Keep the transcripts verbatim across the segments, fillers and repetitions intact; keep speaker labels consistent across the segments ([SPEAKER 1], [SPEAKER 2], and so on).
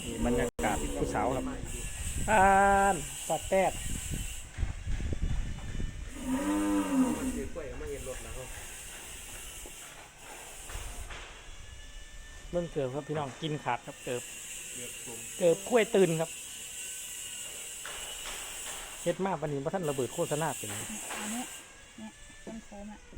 [SPEAKER 1] นี่บรรยากาศผู้สาวครับอ่านสัตว์แตด
[SPEAKER 2] มันถือกล้วยกับมาเห็นรถแล้ว
[SPEAKER 1] เบิ่งเกิบครับพี่น้องกินขาดครับเกิบ
[SPEAKER 2] เกือบกลม
[SPEAKER 1] เกิบกล้วยตื่นครับเฮ็ดมากวันนี้พระท่านระเบิดโฆษณาเป็น
[SPEAKER 3] อันนี้เนี่ยต้นโคมอ่ะ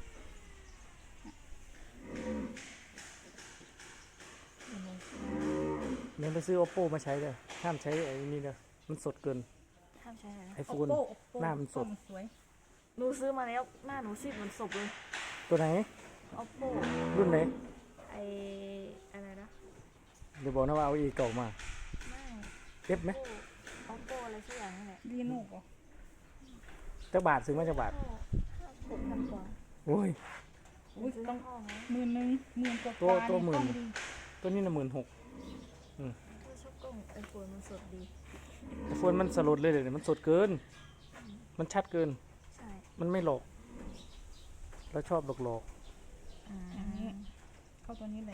[SPEAKER 1] เดี๋ยวไปซื้อ oppo มาใช้เลยห้ามใช้ไอ้นี่เลยมันสดเกิน
[SPEAKER 4] ห้ามใช้อะไรนะ
[SPEAKER 1] ไอโฟน
[SPEAKER 3] Oppo Oppo
[SPEAKER 1] หน้ามันสด
[SPEAKER 3] สวย
[SPEAKER 4] หนูซื้อมาแล้วหน้าหนูซีดเหมือนศพเลย
[SPEAKER 1] ตัวไหน
[SPEAKER 4] oppo
[SPEAKER 1] รุ่นไหน
[SPEAKER 4] ไออะไรนะ
[SPEAKER 1] เดี๋ยวบอกนะว่าเอาอีเก่ามา
[SPEAKER 4] ไม่
[SPEAKER 1] เอฟไหม
[SPEAKER 4] oppo oppo อะไรสักอย่างนั่นแหละ
[SPEAKER 3] รีโน่เหรอ
[SPEAKER 1] จักบาทซื้อมาจักบาท
[SPEAKER 4] ห้าหกพันกว่า
[SPEAKER 1] โอ้ย
[SPEAKER 3] อุ้ย
[SPEAKER 4] ซื้อ
[SPEAKER 3] ต้อง
[SPEAKER 4] ห้องนะ
[SPEAKER 3] หมื่นหนึ่งหมื่นกว่า
[SPEAKER 1] ตัวตัวหมื่น
[SPEAKER 3] กล้องดี
[SPEAKER 1] ตัวนี้น่ะหมื่นหก
[SPEAKER 4] ถ้าชอบกล้องไอโฟนมันสดดี
[SPEAKER 1] ไอโฟนมันสลดเลยเดี๋ยวนี้มันสดเกิน มันชัดเกิน
[SPEAKER 4] ใช่
[SPEAKER 1] มันไม่หลอกแล้วชอบหลอกหลอก
[SPEAKER 4] อื
[SPEAKER 3] อันนี้
[SPEAKER 4] ม
[SPEAKER 3] เข้าตัวนี้แหละ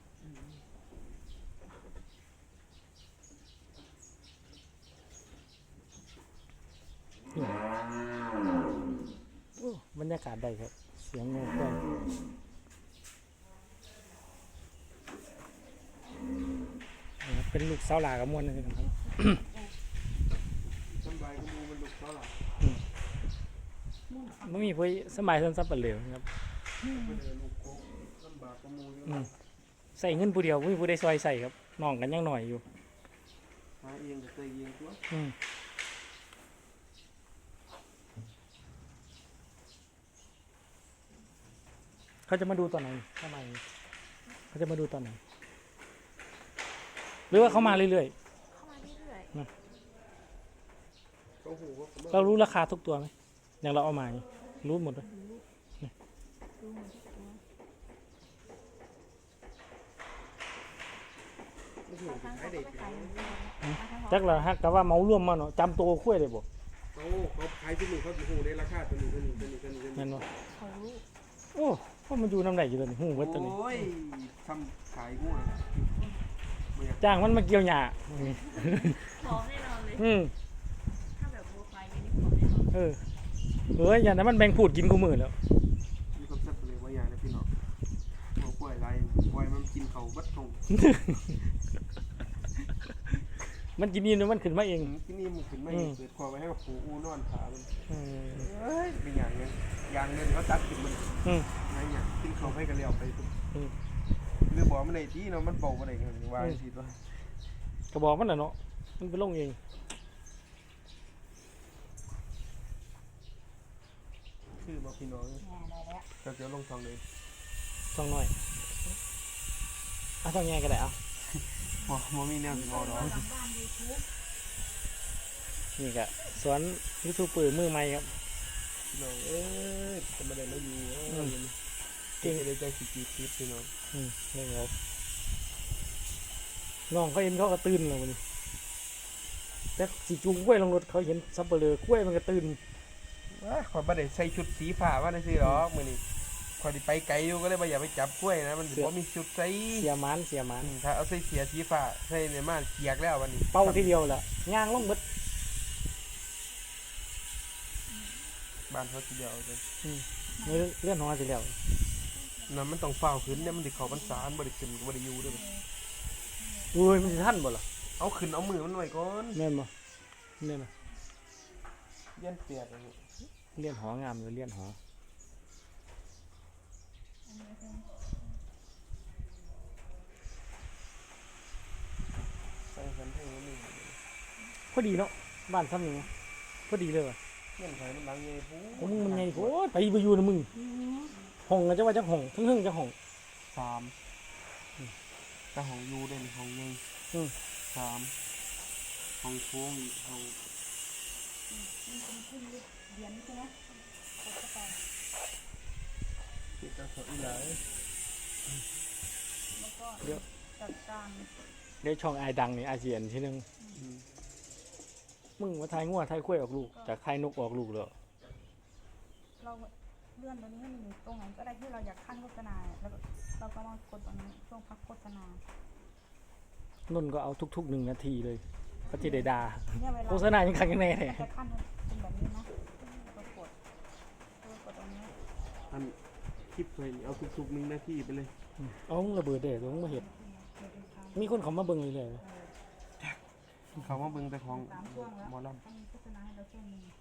[SPEAKER 1] นี่โอ้บรรยากาศได้ครับ เสียงเงาได้เป็นลูกสาวหลากับมวลนะครับ
[SPEAKER 2] สบายก็มูมันลุกเท่าไหร่
[SPEAKER 1] ไม่มีพวกสมัยสั้นสับปะเหลวครับ
[SPEAKER 2] มันเดินลูกโคกลำบากก็มูอยู่
[SPEAKER 1] อืมใส่เงินผู้เดียวไม่มีผู้ใดซอยใส่ครับน้องกันยังหน่อยอยู่
[SPEAKER 2] หาเองก็เคยเองตัว
[SPEAKER 1] อืมเขาจะมาดูตอนไหนทำไมเขาจะมาดูตอนไหนหรือว่าเขามาเรื่อย
[SPEAKER 4] เข้ามาเรื่อย
[SPEAKER 2] ก็หูว่าผม
[SPEAKER 1] ๆเรารู้ราคาทุกตัวไหมอย่างเราเอามานี่รู้หมดเลย
[SPEAKER 4] ๆดูเหมือนทุกตัว
[SPEAKER 2] ไม่ถูก
[SPEAKER 4] บางครั้ง
[SPEAKER 2] ขาย
[SPEAKER 4] เขาก็
[SPEAKER 2] เด็ก
[SPEAKER 4] ไม่ขายอย่างเดียวนะบางครั้งเขา
[SPEAKER 1] จักเราฮะแต่ว่าเมาร่วมมาเนาะจำตัวคุ้ยเลยบ่
[SPEAKER 2] เขาเขาขายที่หนึ่งเขาจะหูในราคาตัวนี้ตัวนี้ตัวนี้ตัวนี้ตัว
[SPEAKER 1] แม่น
[SPEAKER 2] นี้
[SPEAKER 1] บ่
[SPEAKER 4] เขารู้
[SPEAKER 1] โอ้พวกมันอยู่น้ำไหนอยู่ตัวนี้หูเบิดตัวนี้
[SPEAKER 2] โอ้ยทำขายงูนะไม่อยาก
[SPEAKER 1] จ้างมันมาเกี่ยวหญ้า
[SPEAKER 4] พร้อมแน่นอนเลย
[SPEAKER 1] อืม
[SPEAKER 4] ถ้าแบบโปรไฟล์นี้พร้อมแน่นอน
[SPEAKER 1] เออเอ้ยอย่างนั้นมันแบ่งพูดกินกูมือแล้ว
[SPEAKER 2] มีคอนเซ็ปต์เลยว่าอย่างนะพี่น้องหัวกล้วยไรกล้วยมันกินเขาบัดตรง
[SPEAKER 1] มันกินนี่มันขึ้นมาเอง
[SPEAKER 2] ที่นี่มันขึ้นไม่เกิดความไว้ให้กับผูอูนอนขามัน
[SPEAKER 1] อืม
[SPEAKER 2] เอ้ยเป็นอย่างเงี้ยอย่างเงินเขาตัดกินมัน
[SPEAKER 1] อืม
[SPEAKER 2] อะไรอย่างกินเขาให้กันเลี้ยวไปปุ๊บ
[SPEAKER 1] อืม
[SPEAKER 2] หรือบอกมันในที่เนาะมันบอกว่าอะไรกันวางสิตัว
[SPEAKER 1] กระบอกมันน่ะเนาะมันไปลงเอง
[SPEAKER 2] คือมาพี่น้อง
[SPEAKER 3] แหน่ได้แล้ว
[SPEAKER 2] ก็จะลงทองเลย
[SPEAKER 1] ช่องน้อยอ่ะช่องแง่ก็ได้เอา
[SPEAKER 2] โอ้โมมีแนวสิบอดอก
[SPEAKER 3] หลังบ้านยูทูบ
[SPEAKER 1] นี่ก็สอนยูทูบเปิดมือใหม่ครับ
[SPEAKER 2] พี่น้องเอ้ยจะมาได้มาอยู่เอ้ยเก่งเลยใจสิจีคิดพี่น้อง
[SPEAKER 1] อืมนี่ครับน้องเขาเห็นเขาก็ตื่นแล้วมันแต่สีจูงกล้วยลงรถเขาเห็นซับเปลือกล้วยมันก็ตื่น
[SPEAKER 2] ว้าขอยบ่ได้ใส่ชุดสีฟ้าว่าได้สิหรอกมื้อนี้ขอยสิไปไกลอยู่ก็เลยบ่อยากไปจับกล้วยนะมันบ่มีชุดใส่
[SPEAKER 1] เสียหมันเสียหมัน
[SPEAKER 2] ถ้าเอาใส่เสียสีฟ้าใส่ในมาเกียกแล้ววันนี้
[SPEAKER 1] เป้าทีเดียวแหละย่างลงหมด
[SPEAKER 2] บ้านเขาทีเดียวเลย
[SPEAKER 1] นี่เลื่อนหอสิแล้ว
[SPEAKER 2] นั่นมันต้องเฝ้าขึ้นเนี่ยมันสิเข้าพรรษาบ่ได้ขึ้นก็บ่ได้อยู่เด้อ
[SPEAKER 1] อุ้ยมันจะทันบ่ล่ะ
[SPEAKER 2] เอาขึ้นเอามือมันไว้ก่อน
[SPEAKER 1] แม่นบ่เนี่ยนะ
[SPEAKER 2] เลี้ยนเปียกอันนี้
[SPEAKER 1] เลื่อนหองามเลยเลื่อนหอ
[SPEAKER 2] ใส่กันให้มันนี่
[SPEAKER 1] พอดีเนาะบ้านซ้ำนี่พอดีเลยว่ะ
[SPEAKER 2] เลี้ยนไผมันหลังใหญ่พู
[SPEAKER 1] ของมึงมันไงโคตรไปไปอยู่นะมึงห้องก็จะว่าจะห้องทึ่งๆจะห้อง
[SPEAKER 2] สามแต่ของยูได้นี่ของใหญ่
[SPEAKER 1] อืม
[SPEAKER 2] สามของโค้งอีกของ
[SPEAKER 3] เรียนใช่ไหมกดเข้าไป
[SPEAKER 2] ติดกับเขาอีหลาย
[SPEAKER 3] แล้วก็จัดการ
[SPEAKER 1] ได้ช่องไอดังนี่อาเซียนที่นึง
[SPEAKER 2] อืม
[SPEAKER 1] มึงมาทายงัวทายข้วยออกลูกจากทายนกออกลูกเลย
[SPEAKER 3] เราเลื่อนตัวนี้ให้มันอยู่ตรงไหนก็ได้ที่เราอยากขั้นโฆษณาแล้วก็เราก็มากดตรงนี้ช่วงพักโฆษณา
[SPEAKER 1] นนก็เอาทุกๆหนึ่งนาทีเลยก็จะได้ด่า
[SPEAKER 3] เนี่ยเวลา
[SPEAKER 1] โฆษณายังคังยังไงเนี่ย
[SPEAKER 3] จะขั้นเป็นแบบนี้นะแล้วก็กดแล้วก็กดตรงนี้
[SPEAKER 2] อันคลิปเลยเอาทุกๆหนึ่งนาทีไปเลย
[SPEAKER 1] เอามึงระเบิดเด็ดมึงมาเห็นมีคนเขามาเบิ่งเลยเลย
[SPEAKER 2] เขาว่าเบิ่งแต่ของ
[SPEAKER 3] สามช่วงแล้ว
[SPEAKER 2] หมอล
[SPEAKER 3] ต้องมีโฆษณาให้เราช่วงหนึง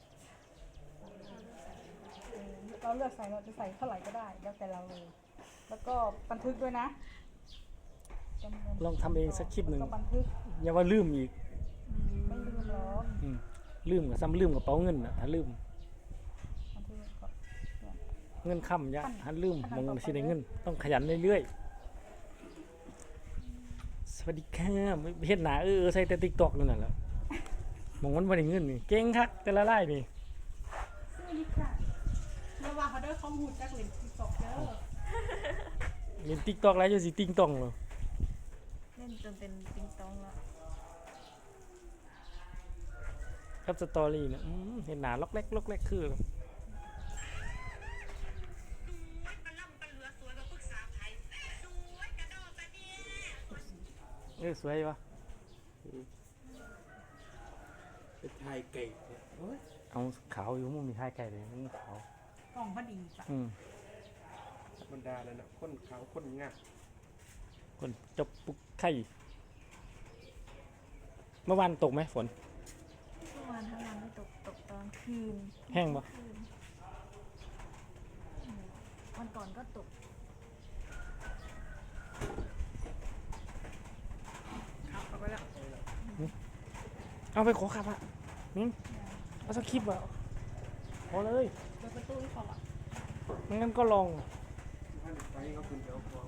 [SPEAKER 3] เออเราเลือกใส่เราจะใส่เท่าไหร่ก็ได้แล้วแต่เราเลย แล้วก็บันทึกด้วยนะจำนวน
[SPEAKER 1] ลองทำเองสักคลิปหนึ่ง
[SPEAKER 3] แล้วก็บันทึก
[SPEAKER 1] อย่าว่าลืมอีก
[SPEAKER 3] ไม่ลืมหรอก
[SPEAKER 1] อืมลืมกับซ้ำลืมกับเป๋าเงินอ่ะถ้าลืม
[SPEAKER 3] บันทึกก็
[SPEAKER 1] เงินค่ำยะถ้าลืมมองสิได้เงิน ต้องขยันเรื่อยๆสวัสดีค่ะเฮ็ดหนาเออเออใส่แต่ติ๊กต็อกนั่นน่ะแหละมองมันบ่ได้เงินนี่เก่งคักแต่ละรายนี่
[SPEAKER 3] ซื้อนี่ค่ะเมื่อวานเขาได้ข้อมูลจากเหรียญติ๊กต็อกเด้อ
[SPEAKER 1] เล่นติ๊กต็อกแล้วจะสิติ๊งต้องเหรอ
[SPEAKER 4] เล่นจนเป็นปิงตองแล้ว
[SPEAKER 1] ครับสตอรี่เนี่ยอืมเห็นหนาล็อกแรกล็อกแรกคือเออสวยวะ
[SPEAKER 2] ำเป็นไทยไก่เนี่ยโอ้ย
[SPEAKER 1] เอาขาวอยู่มึงมีท้ายไก่เลยมึงขาว
[SPEAKER 3] กล่องพอดีจ้ะ
[SPEAKER 1] อืม
[SPEAKER 2] ธรรมดาแล้วนะคนขาวคนงาม
[SPEAKER 1] คนจบปุกไข่เมื่อวานตกไหมฝน
[SPEAKER 4] เมื่อวานทั้งวันไม่ตกตกตอนคืน
[SPEAKER 1] แห้งปะ
[SPEAKER 4] คืนวันก่อนก็ตก
[SPEAKER 3] ครับเอาไปแล้ว
[SPEAKER 1] เอาไปขอขับอ่ะมิ้งเอาสักคลิปอ่ะพอเลย
[SPEAKER 3] เปิดประตูให้เขาอ่ะ
[SPEAKER 1] ไม่งั้นก็ลอง
[SPEAKER 2] ท่านไปเขาคุณเดี๋ยวพอ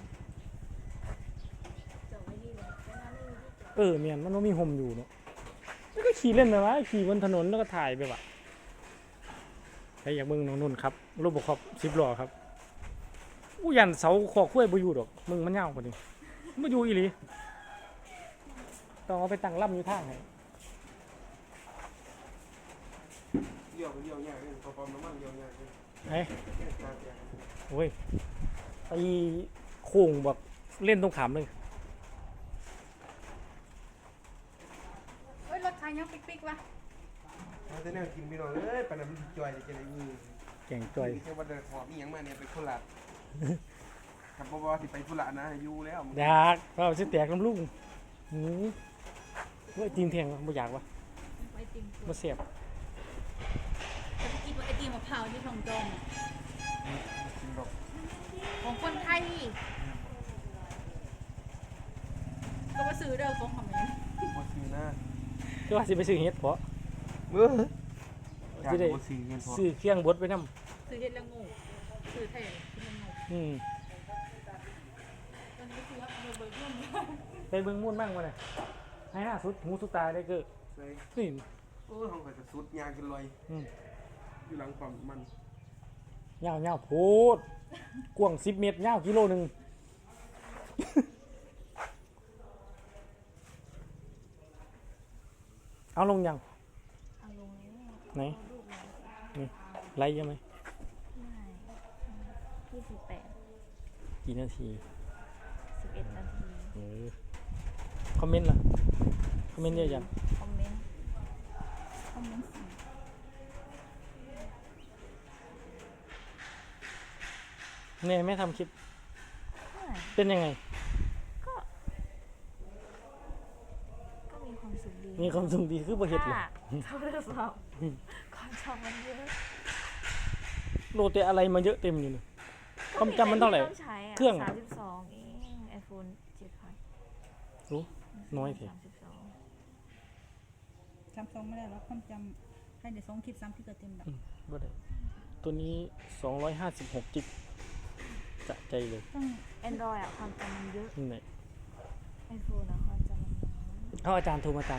[SPEAKER 4] จอดไว้นี่เลยแล้วน้าไม่มีที่จอด
[SPEAKER 1] เออเมียนมันต้องมีโฮมอยู่เนาะแล้วก็ขี่เล่นไปวะขี่บนถนนแล้วก็ถ่ายไปวะใครอยากเบิ่งน้องนุ่นครับรูปบกครอบสิบล้อครับอู้ยันเสาขอกล้วยบ่อยู่ดอกมึงมันยาวกว่านี้บ่อยู่อีหลีต้องเอาไปตั้งล่ำอยู่ทางไหน
[SPEAKER 2] เลี้ยวไปเลี้ยวยากเลยพอปั๊มน้ำมันเลี้ยวยากเลย
[SPEAKER 1] ไอ้
[SPEAKER 2] แค่ตาเสีย
[SPEAKER 1] โอ้ยไอ้โค้งแบบเล่นตรงขามเลย
[SPEAKER 3] เอ้ยรถไทยยังปิ๊กๆวะ
[SPEAKER 2] เอาแต่แนวกินไปหน่อยเอ้ยปานนั้นมันสิจ่อยจะได้มือ
[SPEAKER 1] แก่งจ่อย
[SPEAKER 2] แค่ว่าเดินหอบอีหยังมาเนี่ยไปโคราชครับบ่ว่าสิไปธุระนะอยู่แล้วมึง
[SPEAKER 1] อยากเพราะสิแตกน้ำลูกหืมว่าจีนเทียงบ่อยากวะ
[SPEAKER 4] ไอติม
[SPEAKER 1] บ่เสียบ
[SPEAKER 3] จะไปกินไอติมมะพร้าวที่ทองจอมอะ
[SPEAKER 2] กินดอก
[SPEAKER 3] ของคนไทยก็มาซื้อเด้อของของแม่
[SPEAKER 2] บ่ซื้อนะ
[SPEAKER 1] ก็ว่าสิไปซื้อเฮ็ดเพาะ
[SPEAKER 2] เอ้ออยาก
[SPEAKER 1] สิได้
[SPEAKER 2] บ่ซื้อเงินพอ
[SPEAKER 1] ซื้อเครื่องบดไปนำ
[SPEAKER 3] ซื้อเฮ็ดละงูซื้อไทยกินละงู
[SPEAKER 1] อืม
[SPEAKER 3] ตอนนี้ซื้อว่าเบอร์เบิ้ล
[SPEAKER 1] ไปเบิ่งมุ่นบ้างวะเนี่ยให้หน้าสุดหูสุดตาได้เกิด
[SPEAKER 2] ใส่
[SPEAKER 1] นี่
[SPEAKER 2] โอ้ยห้องก็จะสุดยางกินลอย
[SPEAKER 1] อืม
[SPEAKER 2] อยู่หลังปั๊มมัน
[SPEAKER 1] ยาวยาวโพดกว้างสิบเมตรยาวกิโลหนึง เอาลงยัง
[SPEAKER 4] เอาลงแล้ว
[SPEAKER 1] ไหน
[SPEAKER 4] เอารูปเลย
[SPEAKER 1] นี่ไล่ยังไหม
[SPEAKER 4] ไม่ยี่สิบแปด
[SPEAKER 1] กี่นาที
[SPEAKER 4] สิบเอ็ดนาที
[SPEAKER 1] เออคอมเมนต์ล่ะคอมเมนต์เยอะจัง
[SPEAKER 4] คอมเมนต์
[SPEAKER 3] คอมเมนต์สี่
[SPEAKER 1] เนี่ยไม่ทำคลิป
[SPEAKER 4] ไม่
[SPEAKER 1] เป็นยังไง
[SPEAKER 4] ก็ ก็มีความสุขดี
[SPEAKER 1] มีความสุขดีคือบ่เห็ดเลย
[SPEAKER 4] ถ้าชอบทดสอบความชอบมันเยอะ
[SPEAKER 1] โหลดแต่อะไรมาเยอะเต็มอยู่เลย ความจำมันเท่าไหร่
[SPEAKER 4] ต้องใช้ะ
[SPEAKER 1] เครื่อง
[SPEAKER 4] สามสิบสองเองไอโฟนเจ็ดพัน
[SPEAKER 1] รู้น้อยเถอะ
[SPEAKER 4] สามสิบสอง
[SPEAKER 3] จำซองไม่ได้แล้วความจำให้เดี๋ยวสองคลิปสามคลิปก็เต็มแล้ว
[SPEAKER 1] บ่ได้ตัวนี้สองร้อยห้าสิบหกจิกจะใจเลย
[SPEAKER 3] ต้อง
[SPEAKER 4] แอนดรอยอะความจำมันเยอะ
[SPEAKER 1] นี่ไหน
[SPEAKER 4] ไอโฟนอะความจำมันน้อย
[SPEAKER 1] เอาอาจารย์โทรมาตาม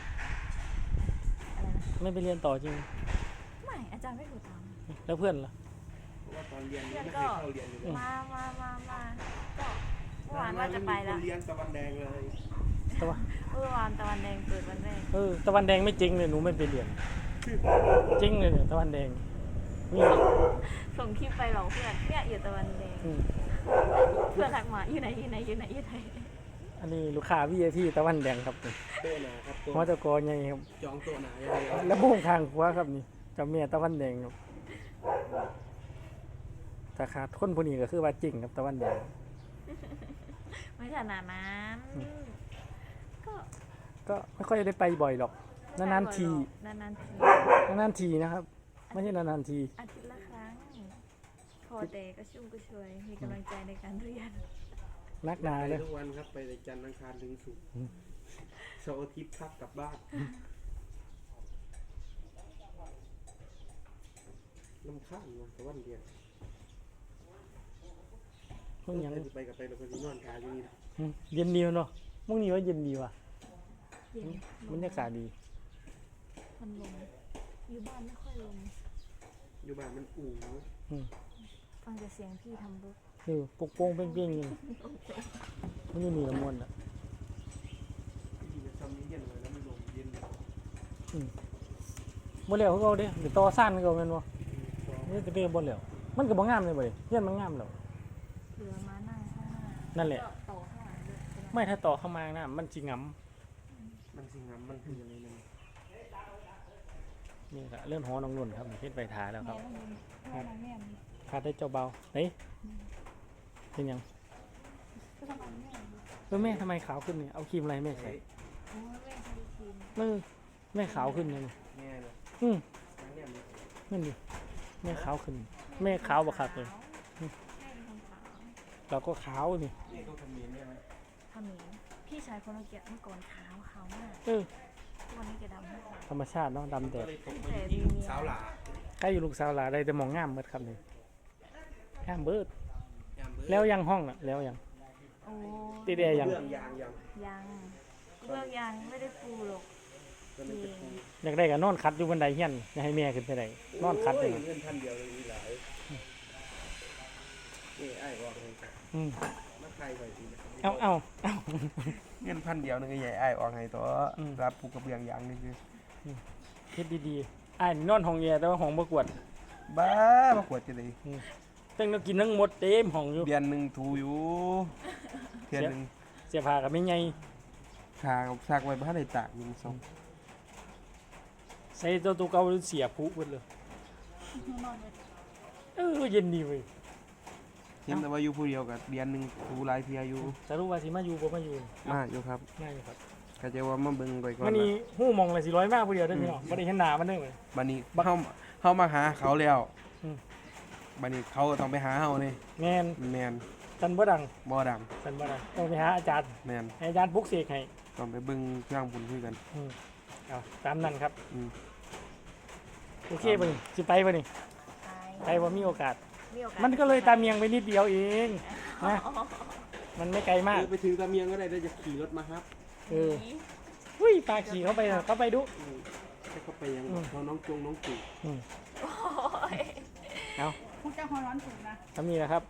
[SPEAKER 4] อะไรนะ
[SPEAKER 1] ไม่ไปเรียนต่อจริง
[SPEAKER 4] ไม่อาจารย์ไม่ถูกตาม
[SPEAKER 1] แล้วเพื่อนล่ะ
[SPEAKER 2] เพราะว่าตอนเรียน
[SPEAKER 4] เพื่อน
[SPEAKER 2] ไม่
[SPEAKER 4] ก็
[SPEAKER 2] เคยเข้าเรียนอยู่เลย
[SPEAKER 4] มามามามาก็เมื่อวานว่าจะไปแล้ว
[SPEAKER 2] เรียนตะวันแดงเลย
[SPEAKER 1] แต่ว่า
[SPEAKER 4] เมื่อวานตะวันแดงเปิดวันแรก
[SPEAKER 1] เออตะวันแดงไม่จริงเลยหนูไม่ไปเรียนจริงเลยเนี่ยตะวันแดงนี่
[SPEAKER 4] ส่งคลิปไปบอกเพื่อนเนี่ยอยู่ตะวันแดง
[SPEAKER 1] อืม
[SPEAKER 4] เพื่อนทักมาอยู่ไหนอยู่ไหนอยู่ไหนอยู่ไหน
[SPEAKER 1] อันนี้ลูกค้า วี ไอ พี ตะวันแดงครับ
[SPEAKER 2] โต๊ะหนาครับโต๊ะ
[SPEAKER 1] หัวตะกอใหญ่ครับ
[SPEAKER 2] จองโต๊ะหนาอย่างเดียว
[SPEAKER 1] แล้วโบ้งข้างขวาครับนี่เจ้าแม่ตะวันแดงครับถ้าขาดคนผู้นี้ก็คือว่าจริงครับตะวันแดง
[SPEAKER 4] ไม่ขนาดนั้นก็
[SPEAKER 1] ก็ไม่ค่อยได้ไปบ่อยหรอกนานๆที
[SPEAKER 4] นานๆที
[SPEAKER 1] นานๆทีนะครับไม่ใช่นานๆที
[SPEAKER 4] อาทิตย์ละครั้ง พอแต่ก็ชุ่มก็ช่วย มีกำลังใจในการเรียน
[SPEAKER 1] นักหนา
[SPEAKER 2] ไป
[SPEAKER 1] เลย
[SPEAKER 2] ทุกวันครับไปในจันทร์อังคารถึงศุกร์
[SPEAKER 1] อืม
[SPEAKER 2] เสาร์อาทิตย์พักกลับบ้านลำข้างนะแต่วันเดียว
[SPEAKER 1] เพิ่งยัง
[SPEAKER 2] ไปกับไปเราก็ที่นอนทาอยู่นี่นะ
[SPEAKER 1] อืมเย็นดีเนาะมึงนี่ว่าเย็นดีว่ะ
[SPEAKER 4] เย็น
[SPEAKER 1] บรรยากาศดี
[SPEAKER 4] มันลมอยู่บ้านไม่ค่อยลม
[SPEAKER 2] อยู่บ้านมันอู่
[SPEAKER 1] อืม
[SPEAKER 4] ฟังแต่เสียงพี่ทำรถ
[SPEAKER 1] คือโป่งๆเป้งๆนี่มันอยู่นี่ละมวนอ่ะ
[SPEAKER 2] ที่จะทำนี้เย็นเลยแล้วมันลมเย็นเลย
[SPEAKER 1] อืมบ่แล้วเขาเอาเด้เดี๋ยวต่อซ่านเขาแม่นบ่นี่จะเป็นบ่แล้วมันก็บ่งามเลยบ่เด้เฮียนมันงามแล้ว
[SPEAKER 4] เหลือมานั่งข้างหน้า
[SPEAKER 1] นั่นแหละ
[SPEAKER 4] ก็ต่อข้างหลังด้วยเป็นไร
[SPEAKER 1] ไม่ถ้าต่อเข้ามานะมันสิงํ
[SPEAKER 2] มันสิงามมันคืออะไรนั่น
[SPEAKER 1] นี่ก็เลื่อนหอน้องนุ่นครับเฮ็ดไปทาแล้วครับ
[SPEAKER 3] แม่ต้องยินแม่นางแม่น
[SPEAKER 1] คาดได้เจ้าเบาเฮ้ยเป็นหยัง
[SPEAKER 3] ก็ทำไมแม่น
[SPEAKER 1] เออแม่ทำไมขาวขึ้นเนี่ยเอาครีมอะไรให้แม่ใส่
[SPEAKER 4] โอ้ยแม่ใช้ครีม
[SPEAKER 1] เออแม่ขาวขึ้นเลยนี่
[SPEAKER 2] แง่เลย
[SPEAKER 1] อืม
[SPEAKER 2] เนี่ยมัน
[SPEAKER 1] นั่นดิแม่ขาวขึ้น แม่ขาวบักคักเลย
[SPEAKER 4] แม่เป็นคนขาว
[SPEAKER 1] เราก็ขาวนี่
[SPEAKER 2] นี่ต้องทำเนียนได้ไหม
[SPEAKER 4] ทำหมีพี่ชายคนเมื่อกี้เมื่อก่อนขาวขาวมาก
[SPEAKER 1] เออ
[SPEAKER 4] ทุกวันนี้แกดำมาก
[SPEAKER 1] ธรรมชาติเนาะดำแด
[SPEAKER 2] ก็
[SPEAKER 1] ด
[SPEAKER 2] เลยตกไปที่ลูกสาวหลา
[SPEAKER 1] ใกล้อยู่ลูกสาวหลาได้แต่มองงามเบิดครับนี่งามเบิด
[SPEAKER 2] ยามเบิด
[SPEAKER 1] แล้วยังห้องน่ะแล้วยัง
[SPEAKER 4] โอ้
[SPEAKER 1] ติดแอร์ยัง
[SPEAKER 2] เรื่องยางยัง
[SPEAKER 4] ยังเลือกยังไม่ได้ปูหรอก
[SPEAKER 2] ก็มันจะปู
[SPEAKER 1] อยากได้ก็นอนคัดอยู่บันไดเฮียนอย่าให้แม่ขึ้นไปได้นอนคัดเลย
[SPEAKER 2] โเงินพันเดียวเลยมีหลายนี่ไอ้บอกเลยครับ
[SPEAKER 1] อืม
[SPEAKER 2] มาใครไปทีนะ
[SPEAKER 1] เอาเอาเอา
[SPEAKER 2] เงินพันเดียวนึงก็ใหญ่ไอ้ออกให้ตัว
[SPEAKER 1] อืม
[SPEAKER 2] รับปูกระเบื้องยางนี่คือ
[SPEAKER 1] เฮ็ดดีๆอ้ายนี่นอนห้องแย่แต่ว่าห้องบ่กวด
[SPEAKER 2] บ้ามาขวดจะได้
[SPEAKER 1] ตั้งแต่กินทั้งหมดเต็มห้องอยู่
[SPEAKER 2] เดือนหนึ่งถูอยู่เดือนหนึ่ง
[SPEAKER 1] เสียผ้าก็ไม่ใหญ่
[SPEAKER 2] ทางซักไว้บ้านในตากยิงสอง
[SPEAKER 1] ใส่ตัวตัวเก่าเสียผุเบิดเลย
[SPEAKER 3] นอนเลย
[SPEAKER 1] เออเย็นดีเว้ย
[SPEAKER 2] เห็นแต่ว่าอยู่ผู้เดียวกับเดือนหนึ่งถูหลายเพียอยู่
[SPEAKER 1] สรุปว่าสิมาอยู่บ่มาอยู่
[SPEAKER 2] มาอยู่ครับ
[SPEAKER 1] มาอยู่ครับ
[SPEAKER 2] ก็จะว่ามาเบิ่งไปก่อน
[SPEAKER 1] มันนี่ฮู้มองเลยสิร้อยมากผู้เดียวได้อพี่น้องบ่ได้เห็นหน้ามันเด้อเว้ย
[SPEAKER 2] บัดนี้เฮาเฮามาหาเขาแล้ว
[SPEAKER 1] อืม
[SPEAKER 2] บัดนี้เขาก็ต้องไปหาเฮานี่
[SPEAKER 1] แม่น
[SPEAKER 2] แม่น
[SPEAKER 1] สันบ่ดัง
[SPEAKER 2] บ่ดัง
[SPEAKER 1] สันบ่ดังต้องไปหาอาจารย์
[SPEAKER 2] แม่น
[SPEAKER 1] ให้อาจารย์ปลุกเสกให้
[SPEAKER 2] ต้องไปเบิ่งเครื่องบุญคุยกัน
[SPEAKER 1] อืมเอาตามนั้นครับ
[SPEAKER 2] อืม
[SPEAKER 1] โอเคบ่นี่สิไปบ่นี่
[SPEAKER 4] ไป
[SPEAKER 1] ไปบ่มีโอกาส
[SPEAKER 4] มีโอกาส
[SPEAKER 1] มันก็เลยตามเมียงไปนิดเดียวเองนะ
[SPEAKER 4] อ๋อ
[SPEAKER 1] มันไม่ไกลมาก
[SPEAKER 2] เออไปถึงตะเมียงก็ได้ได้จะขี่รถมาครับ
[SPEAKER 1] เอออุ้ยปลาขี่เข้าไปน่ะเข้าไปดู
[SPEAKER 2] อืมให้เขาไปยัง
[SPEAKER 1] อืม
[SPEAKER 2] เขาน้องจงน้องตู่
[SPEAKER 1] อืม
[SPEAKER 4] โอ้ย
[SPEAKER 1] เอา
[SPEAKER 3] พวกเจ้าหัวร้อนถูกนะ
[SPEAKER 1] ทำนี่แหละครับ